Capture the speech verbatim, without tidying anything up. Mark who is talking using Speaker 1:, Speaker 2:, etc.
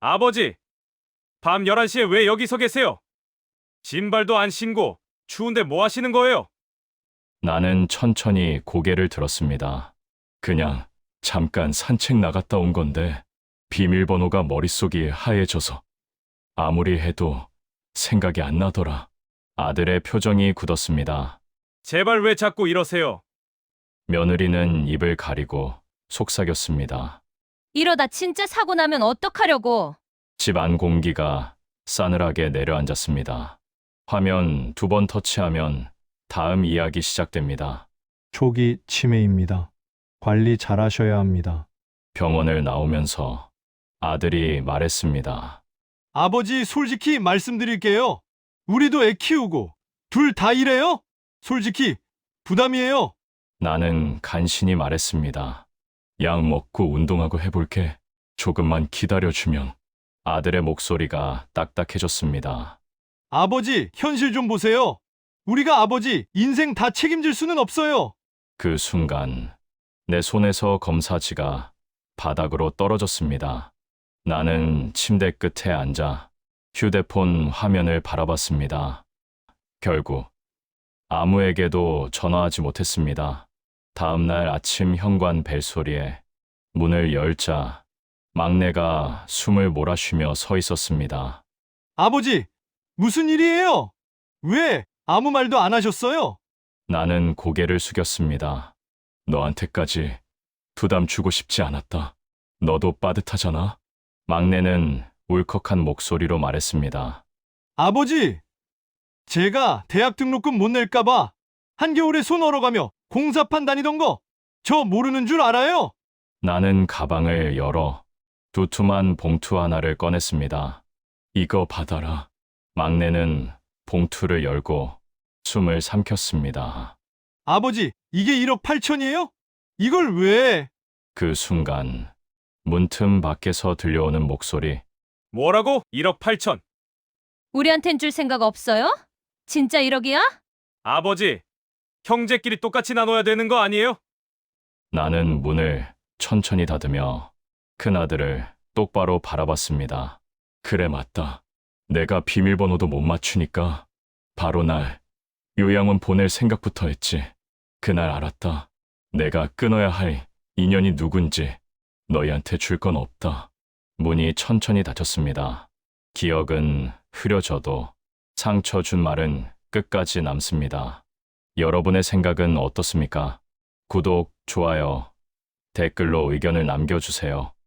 Speaker 1: 아버지, 밤 열한 시에 왜 여기서 계세요? 신발도 안 신고 추운데 뭐 하시는 거예요?
Speaker 2: 나는 천천히 고개를 들었습니다. 그냥 잠깐 산책 나갔다 온 건데 비밀번호가 머릿속이 하얘져서 아무리 해도 생각이 안 나더라. 아들의 표정이 굳었습니다.
Speaker 1: 제발 왜 자꾸 이러세요?
Speaker 2: 며느리는 입을 가리고 속삭였습니다.
Speaker 3: 이러다 진짜 사고 나면 어떡하려고.
Speaker 2: 집 안 공기가 싸늘하게 내려앉았습니다. 화면 두 번 터치하면 다음 이야기 시작됩니다.
Speaker 4: 초기 치매입니다. 관리 잘하셔야 합니다.
Speaker 2: 병원을 나오면서 아들이 말했습니다.
Speaker 4: 아버지, 솔직히 말씀드릴게요. 우리도 애 키우고 둘 다 일해요? 솔직히 부담이에요.
Speaker 2: 나는 간신히 말했습니다. 약 먹고 운동하고 해볼게. 조금만 기다려주면. 아들의 목소리가 딱딱해졌습니다.
Speaker 4: 아버지, 현실 좀 보세요. 우리가 아버지 인생 다 책임질 수는 없어요.
Speaker 2: 그 순간 내 손에서 검사지가 바닥으로 떨어졌습니다. 나는 침대 끝에 앉아 휴대폰 화면을 바라봤습니다. 결국 아무에게도 전화하지 못했습니다. 다음 날 아침 현관 벨소리에 문을 열자 막내가 숨을 몰아쉬며 서 있었습니다.
Speaker 4: 아버지, 무슨 일이에요? 왜 아무 말도 안 하셨어요?
Speaker 2: 나는 고개를 숙였습니다. 너한테까지 부담 주고 싶지 않았다. 너도 빠듯하잖아. 막내는 울컥한 목소리로 말했습니다.
Speaker 4: 아버지, 제가 대학 등록금 못 낼까봐 한겨울에 손 얼어가며 공사판 다니던 거 저 모르는 줄 알아요?
Speaker 2: 나는 가방을 열어 두툼한 봉투 하나를 꺼냈습니다. 이거 받아라. 막내는 봉투를 열고 숨을 삼켰습니다.
Speaker 4: 아버지, 이게 일억 팔천이에요? 이걸 왜?
Speaker 2: 그 순간 문틈 밖에서 들려오는 목소리.
Speaker 1: 뭐라고? 일억 팔천.
Speaker 3: 우리한텐 줄 생각 없어요? 진짜 일억이야?
Speaker 1: 아버지, 형제끼리 똑같이 나눠야 되는 거 아니에요?
Speaker 2: 나는 문을 천천히 닫으며 큰아들을 똑바로 바라봤습니다. 그래, 맞다. 내가 비밀번호도 못 맞추니까 바로 날 요양원 보낼 생각부터 했지. 그날 알았다. 내가 끊어야 할 인연이 누군지. 너희한테 줄 건 없다. 문이 천천히 닫혔습니다. 기억은 흐려져도 상처 준 말은 끝까지 남습니다. 여러분의 생각은 어떻습니까? 구독, 좋아요, 댓글로 의견을 남겨주세요.